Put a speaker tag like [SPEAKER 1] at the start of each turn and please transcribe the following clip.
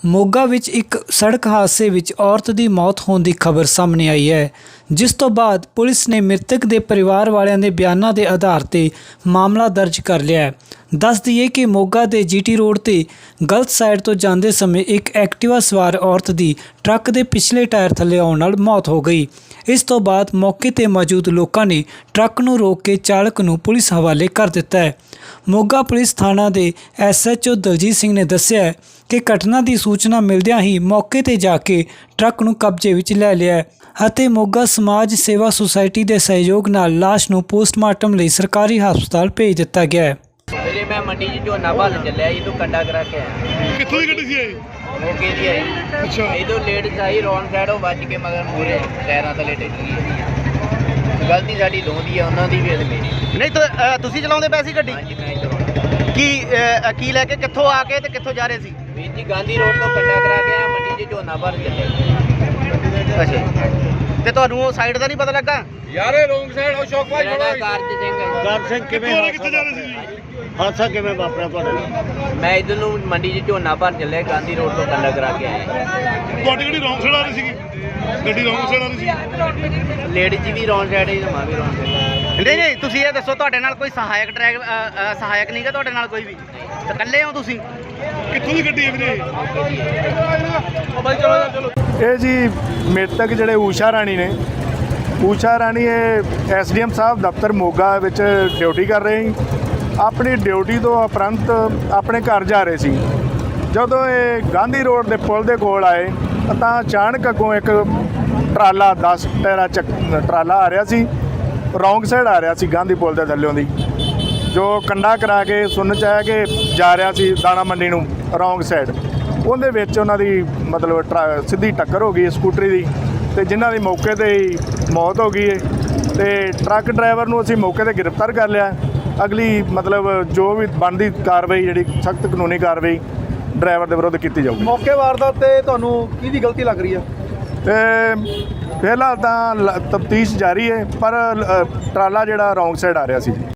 [SPEAKER 1] ਮੋਗਾ ਵਿੱਚ ਇੱਕ ਸੜਕ ਹਾਦਸੇ ਵਿੱਚ ਔਰਤ ਦੀ ਮੌਤ ਹੋਣ ਦੀ ਖਬਰ ਸਾਹਮਣੇ ਆਈ ਹੈ, ਜਿਸ ਤੋਂ ਬਾਅਦ ਪੁਲਿਸ ਨੇ ਮ੍ਰਿਤਕ ਦੇ ਪਰਿਵਾਰ ਵਾਲਿਆਂ ਦੇ ਬਿਆਨਾਂ ਦੇ ਆਧਾਰ ਤੇ ਮਾਮਲਾ ਦਰਜ ਕਰ ਲਿਆ ਹੈ। ਦੱਸ ਦਈਏ ਕਿ ਮੋਗਾ ਦੇ ਜੀਟੀ ਰੋਡ ਤੇ ਗਲਤ ਸਾਈਡ ਤੋਂ ਜਾਂਦੇ ਸਮੇਂ ਇੱਕ ਐਕਟਿਵਾ ਸਵਾਰ ਔਰਤ ਦੀ ਟਰੱਕ ਦੇ ਪਿਛਲੇ ਟਾਇਰ ਥੱਲੇ ਆਉਣ ਨਾਲ ਮੌਤ ਹੋ ਗਈ। ਇਸ ਤੋਂ ਬਾਅਦ ਮੌਕੇ ਤੇ ਮੌਜੂਦ ਲੋਕਾਂ ਨੇ ਟਰੱਕ ਨੂੰ ਰੋਕ ਕੇ ਚਾਲਕ ਨੂੰ ਪੁਲਿਸ ਹਵਾਲੇ ਕਰ ਦਿੱਤਾ ਹੈ। ਮੋਗਾ ਪੁਲਿਸ ਥਾਣਾ ਦੇ SHO ਦਲਜੀਤ ਸਿੰਘ ਨੇ ਦੱਸਿਆ ਕਿ ਘਟਨਾ ਦੀ ਸੂਚਨਾ ਮਿਲਦਿਆਂ ਹੀ ਮੌਕੇ ਤੇ ਜਾ ਕੇ ਟਰੱਕ ਨੂੰ ਕਬਜ਼ੇ ਵਿੱਚ ਲੈ ਲਿਆ ਹੈ ਅਤੇ ਮੋਗਾ ਸਮਾਜ ਸੇਵਾ ਸੁਸਾਇਟੀ ਦੇ ਸਹਿਯੋਗ ਨਾਲ ਲਾਸ਼ ਨੂੰ ਪੋਸਟਮਾਰਟਮ ਲਈ ਸਰਕਾਰੀ ਹਸਪਤਾਲ ਭੇਜ ਦਿੱਤਾ ਗਿਆ ਹੈ।
[SPEAKER 2] मेरे मैं मंडी च झोना भाल चलिया ये तो कंडा करा के आया
[SPEAKER 3] कित्थों दी गड्डी सी ये?
[SPEAKER 2] मौके दी आई
[SPEAKER 3] अच्छा
[SPEAKER 2] ये तो लेट आई रॉन्ग साइड बच के मगर पूरे टायरां थले डिग गई। गलती साडी दोंदी है उन्हां दी भी ते मेरी
[SPEAKER 4] नहीं तो ਤੁਸੀਂ ਚਲਾਉਂਦੇ ਪਏ ਸੀ ਗੱਡੀ?
[SPEAKER 2] हाँ जी मैं चलाउंदा
[SPEAKER 4] ਕੀ ਲੈ ਕੇ ਕਿੱਥੋਂ ਆ ਕੇ ਤੇ ਕਿੱਥੋਂ ਜਾ ਰਹੇ ਸੀ?
[SPEAKER 2] वीर जी गांधी रोड तो कंडा करा के आया मंडी च झोना भाल चलिया।
[SPEAKER 4] ਅੱਛਾ ਤੇ ਤੁਹਾਨੂੰ ਸਾਈਡ ਦਾ ਨਹੀਂ ਪਤਾ ਲੱਗਾ?
[SPEAKER 3] यार ये रॉन्ग साइड और शौक भाई
[SPEAKER 2] मेरा नाम कारज सिंह है।
[SPEAKER 4] ਕਾਰ ਸਿੰਘ
[SPEAKER 3] कित्थे जा रहे सी जी?
[SPEAKER 4] ਹਾਦਸਾ ਕਿਵੇਂ ਵਾਪਰਿਆ ਤੁਹਾਡੇ ਨਾਲ?
[SPEAKER 2] मैं इधर नूं मंडी च झोना भाल चलिया गांधी रोड तो कंडा करा के आया।
[SPEAKER 3] ਤੁਹਾਡੀ ਗੱਡੀ ਰੌਂਗ ਸਾਈਡ ਆ ਰਹੀ ਸੀਗੀ? ਗੱਡੀ ਰੌਂਗ ਸਾਈਡ ਆ ਰਹੀ ਸੀ?
[SPEAKER 2] लेट जी भी रॉन्ग साइड है ते मैं भी रॉन्ग साइड।
[SPEAKER 4] ਨਹੀਂ ਤੁਸੀਂ ਇਹ ਦੱਸੋ ਤੁਹਾਡੇ ਨਾਲ ਕੋਈ ਸਹਾਇਕ ਸਹਾਇਕ ਨਹੀਂਗਾ ਤੁਹਾਡੇ ਨਾਲ ਕੋਈ ਵੀ? ਤੇ ਇਕੱਲੇ ਹੋ ਤੁਸੀਂ?
[SPEAKER 3] ਕਿੱਥੋਂ ਦੀ ਗੱਡੀ ਹੈ ਵੀਰੇ?
[SPEAKER 5] ਇਹ ਜੀ ਮ੍ਰਿਤਕ ਜਿਹੜੇ ਊਸ਼ਾ ਰਾਣੀ ਨੇ, ਊਸ਼ਾ ਰਾਣੀ ਇਹ SDM ਸਾਹਿਬ ਦਫ਼ਤਰ ਮੋਗਾ ਵਿੱਚ ਡਿਊਟੀ ਕਰ ਰਹੇ ਸੀ। ਆਪਣੀ ਡਿਊਟੀ ਤੋਂ ਉਪਰੰਤ ਆਪਣੇ ਘਰ ਜਾ ਰਹੇ ਸੀ। ਜਦੋਂ ਇਹ ਗਾਂਧੀ ਰੋਡ ਦੇ ਪੁਲ ਦੇ ਕੋਲ ਆਏ ਤਾਂ ਅਚਾਨਕ ਅੱਗੋਂ ਇੱਕ ਟਰਾਲਾ 10 ਟਾਇਰਾ ਟਰਾਲਾ ਆ ਰਿਹਾ ਸੀ, ਰੌਂਗ ਸਾਈਡ ਆ ਰਿਹਾ ਸੀ ਗਾਂਧੀ ਪੁਲ ਦੇ ਥੱਲਿਓਂ ਦੀ, ਜੋ ਕੰਡਾ ਕਰਾ ਕੇ ਸੁਣਨ 'ਚ ਆਇਆ ਕਿ ਜਾ ਰਿਹਾ ਸੀ ਦਾਣਾ ਮੰਡੀ ਨੂੰ ਰੌਂਗ ਸਾਈਡ। ਉਹਦੇ ਵਿੱਚ ਉਹਨਾਂ ਦੀ ਮਤਲਬ ਸਿੱਧੀ ਟੱਕਰ ਹੋ ਗਈ ਸਕੂਟਰੀ ਦੀ ਤੇ ਜਿਨ੍ਹਾਂ ਦੀ ਮੌਕੇ 'ਤੇ ਹੀ ਮੌਤ ਹੋ ਗਈ ਹੈ। ਤੇ ਟਰੱਕ ਡਰਾਈਵਰ ਨੂੰ ਅਸੀਂ ਮੌਕੇ 'ਤੇ ਗ੍ਰਿਫਤਾਰ ਕਰ ਲਿਆ। ਅਗਲੀ ਮਤਲਬ ਜੋ ਵੀ ਬਣਦੀ ਕਾਰਵਾਈ ਜਿਹੜੀ ਸਖਤ ਕਾਨੂੰਨੀ ਕਾਰਵਾਈ ਡਰਾਈਵਰ ਦੇ ਵਿਰੁੱਧ ਕੀਤੀ ਜਾਊਗੀ।
[SPEAKER 6] ਮੌਕੇ ਵਾਰਦਾਤ ਤੇ ਤੁਹਾਨੂੰ ਕਿਹਦੀ ਗਲਤੀ ਲੱਗ ਰਹੀ ਹੈ?
[SPEAKER 5] ਤੇ ਫਿਲਹਾਲ ਤਾਂ ਤਫਤੀਸ਼ ਜਾਰੀ ਹੈ, ਪਰ ਟਰਾਲਾ ਜਿਹੜਾ ਰੌਂਗ ਸਾਈਡ ਆ ਰਿਹਾ ਸੀ।